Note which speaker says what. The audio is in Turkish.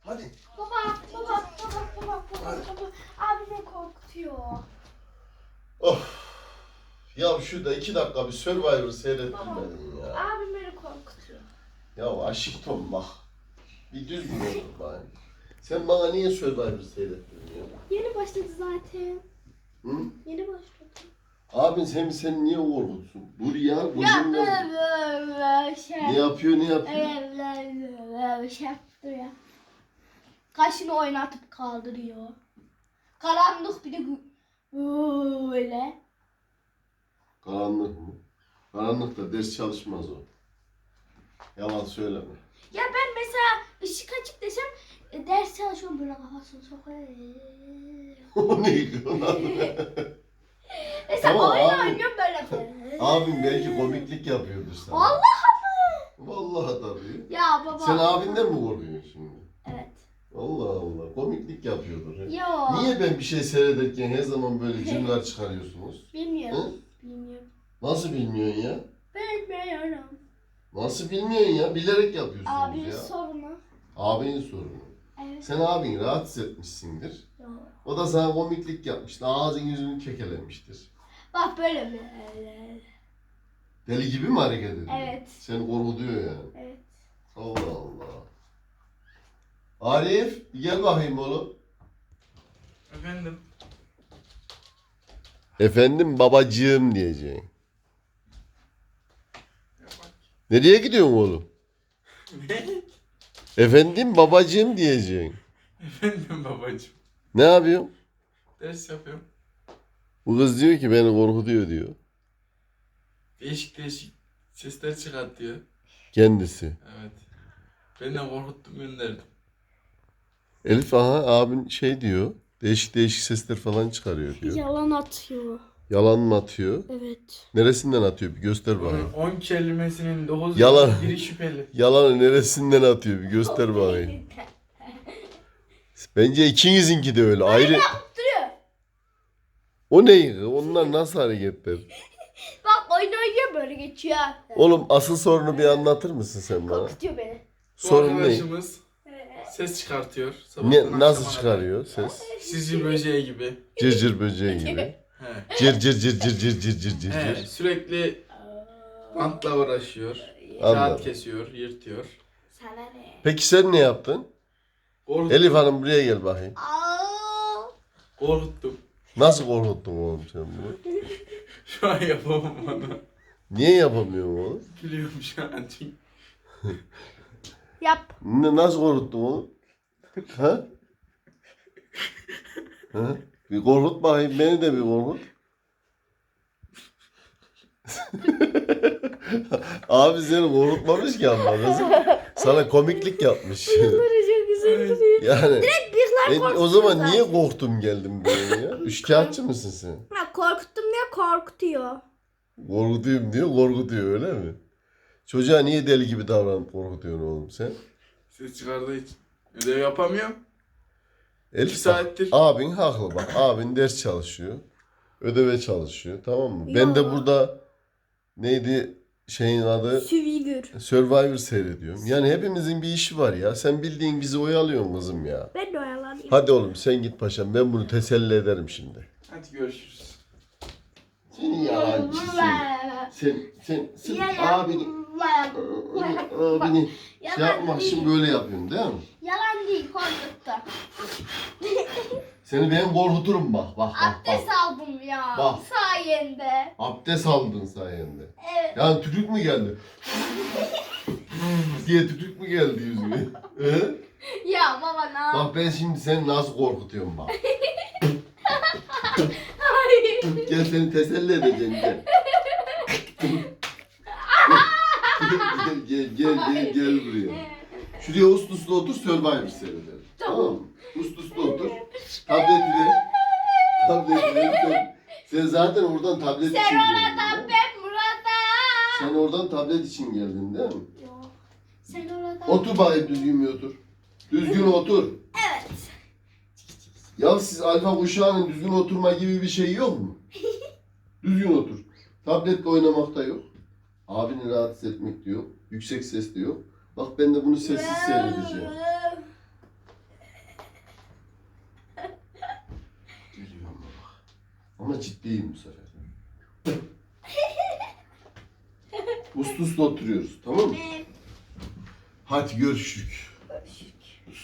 Speaker 1: Hadi.
Speaker 2: Baba. Abi beni korkutuyor.
Speaker 1: Of. Ya şurada 2 dakika bir Survivor seyrettirmedin ya.
Speaker 2: Abi beni korkutuyor.
Speaker 1: Ya aşkım bak. Bir düzgün olur bari. Sen bana niye Survivor seyrettirmiyorsun?
Speaker 2: Yeni başladı zaten.
Speaker 1: Hı?
Speaker 2: Yeni başladı.
Speaker 1: Abin seni niye korkutsun? Dur ya.
Speaker 2: Ya
Speaker 1: Gözümle...
Speaker 2: böyle şey.
Speaker 1: Ne yapıyor?
Speaker 2: Böyle şey yaptı ya. Kaşını oynatıp kaldırıyor. Karanlık bir de böyle.
Speaker 1: Karanlık mı? Karanlıkta ders çalışmaz o. Yalan söyleme.
Speaker 2: Ya ben mesela ışık açık desem ders çalışıyorum böyle kafasını sokuyor.
Speaker 1: O neydi lan?
Speaker 2: Mesela
Speaker 1: Tamam,
Speaker 2: oyun
Speaker 1: abi.
Speaker 2: oynuyorum böyle.
Speaker 1: Abim belki komiklik yapıyordur sana.
Speaker 2: Vallahi mı?
Speaker 1: Vallahi tabii.
Speaker 2: Ya baba.
Speaker 1: Sen abinden mi korkuyorsun şimdi?
Speaker 2: Evet.
Speaker 1: Allah Allah. Komiklik yapıyordur.
Speaker 2: Yo.
Speaker 1: Niye ben bir şey seyrederken her zaman böyle cümleler çıkarıyorsunuz?
Speaker 2: Bilmiyorum.
Speaker 1: Hı?
Speaker 2: Bilmiyorum.
Speaker 1: Nasıl bilmiyorsun ya?
Speaker 2: Bilmiyorum.
Speaker 1: Nasıl bilmiyorsun ya? Bilerek yapıyorsunuz
Speaker 2: Abinin
Speaker 1: ya.
Speaker 2: sorunu.
Speaker 1: Abinin sorunu.
Speaker 2: Evet.
Speaker 1: Sen abini rahatsız etmişsindir.
Speaker 2: Yo.
Speaker 1: O da sana komiklik yapmıştır. Ağzın yüzünü kekelemiştir.
Speaker 2: Bak böyle mi?
Speaker 1: Deli gibi mi hareket ediyor?
Speaker 2: Evet.
Speaker 1: Seni korkutuyor yani.
Speaker 2: Evet.
Speaker 1: Allah Allah. Arif gel bakayım oğlum.
Speaker 3: Efendim?
Speaker 1: Efendim babacığım diyeceğim. Nereye gidiyorsun oğlum?
Speaker 3: Ne?
Speaker 1: Efendim babacığım diyeceksin.
Speaker 3: Efendim babacığım.
Speaker 1: Ne yapıyorsun?
Speaker 3: Ders yapıyorum.
Speaker 1: Bu kız diyor ki beni korkutuyor diyor.
Speaker 3: Değişik sesler çıkartıyor.
Speaker 1: Kendisi.
Speaker 3: Evet. Ben de korkuttum gönderdim.
Speaker 1: Elif aha abin şey diyor. Değişik değişik sesler falan çıkarıyor diyor.
Speaker 2: Yalan atıyor.
Speaker 1: Yalan mı atıyor?
Speaker 2: Evet.
Speaker 1: Neresinden atıyor bir göster bakayım.
Speaker 3: 10 kelimesinin 9
Speaker 1: Yalan.
Speaker 3: biri şüpheli.
Speaker 1: Yalanı neresinden atıyor bir göster bakayım. Bence ikinizinki de öyle. Ayrı.
Speaker 2: Duruyor.
Speaker 1: O ne? Onlar nasıl hareketler?
Speaker 2: Bak oyun oynuyor böyle geçiyor.
Speaker 1: Oğlum asıl sorunu bir anlatır mısın sen bana?
Speaker 2: Korkutuyor beni.
Speaker 3: Bu
Speaker 1: Sorun ne?
Speaker 3: arkadaşımız ses çıkartıyor. Sabahtan
Speaker 1: Ne nasıl
Speaker 3: akşama
Speaker 1: çıkarıyor ses?
Speaker 3: kadar. Sizce böceği gibi.
Speaker 1: Cırcır böceği gibi.
Speaker 3: He.
Speaker 1: Cır cır cır cır cır cır cır cır
Speaker 3: He.
Speaker 1: cır.
Speaker 3: Sürekli bantla uğraşıyor.
Speaker 1: Anladım.
Speaker 3: Kağıt kesiyor, yırtıyor.
Speaker 2: Sana ne?
Speaker 1: Peki sen ne yaptın?
Speaker 3: Korkuttum.
Speaker 1: Elif Hanım buraya gel bakayım.
Speaker 2: Aa.
Speaker 3: Korkuttum.
Speaker 1: Nasıl korkuttun oğlum sen bunu?
Speaker 3: Şu an yapamam onu.
Speaker 1: Niye yapamıyorsun oğlum?
Speaker 3: Biliyorum şu an çünkü.
Speaker 2: Yap.
Speaker 1: Nasıl korkuttun oğlum? Ha? Ha? Bir korkut bakayım beni de bir korkut. Abi seni korkutmamış ki ama kızım. Sana komiklik yapmış.
Speaker 2: Çok güzel duruyor.
Speaker 1: Yani
Speaker 2: Bıyıklar
Speaker 1: o zaman niye korktum geldim buraya ya? Üçkağıtçı mısın sen?
Speaker 2: Ha, korkuttum diye korkutuyor.
Speaker 1: Korkutuyum diyor, korkutuyor öyle mi? Çocuğa niye deli gibi davranıp korkutuyorsun oğlum sen?
Speaker 3: Ses çıkardığı için. Ödev yapamıyorum.
Speaker 1: Elif
Speaker 3: 2 saattir.
Speaker 1: abin haklı bak. Abin ders çalışıyor. Ödeve çalışıyor tamam mı? Ben de
Speaker 2: Ya.
Speaker 1: burada neydi şeyin adı?
Speaker 2: Figür.
Speaker 1: Survivor seyrediyorum. Yani hepimizin bir işi var ya. Sen bildiğin bizi oyalıyorsun kızım ya.
Speaker 2: Ben de oyalanayım.
Speaker 1: Hadi oğlum sen git paşam. Ben bunu teselli ederim şimdi.
Speaker 3: Hadi görüşürüz.
Speaker 1: Seni yalancı sen abini şey yapmak için böyle yapıyorsun değil mi?
Speaker 2: Yalan değil korkuttu.
Speaker 1: Seni ben korkuturum bak.
Speaker 2: Abdest aldım ya.
Speaker 1: Bak.
Speaker 2: Sayende.
Speaker 1: Abdest aldın sayende.
Speaker 2: Evet.
Speaker 1: Yani tükürük mü geldi? diye tükürük mü geldi yüzüne? He?
Speaker 2: Ya baba ne yap?
Speaker 1: Bak ben şimdi seni nasıl korkutuyorum bak.
Speaker 2: Hayır.
Speaker 1: Gel seni teselli edeceğim gel. gel buraya. Şuraya uslu otur Survivor seyredelim. Tamam mı? Uslu otur. Tableti ver. Sen zaten oradan tablet için
Speaker 2: Sen
Speaker 1: geldin.
Speaker 2: oradan
Speaker 1: değil mi?
Speaker 2: ben burada.
Speaker 1: Sen oradan tablet için geldin değil mi?
Speaker 2: Yok. Sen oradan.
Speaker 1: Otur bakayım düzgün bir otur. Düzgün otur.
Speaker 2: Evet.
Speaker 1: Ya siz alfa kuşağının düzgün oturma gibi bir şey yok mu? Düzgün otur. Tabletle oynamak da yok. Abini rahatsız etmek de yok. Yüksek ses de yok. Bak ben de bunu sessiz seyredeceğim. Ama ciddiyim bu sefer. Uslu uslu oturuyoruz, tamam mı?
Speaker 2: Evet.
Speaker 1: Hadi görüşürük.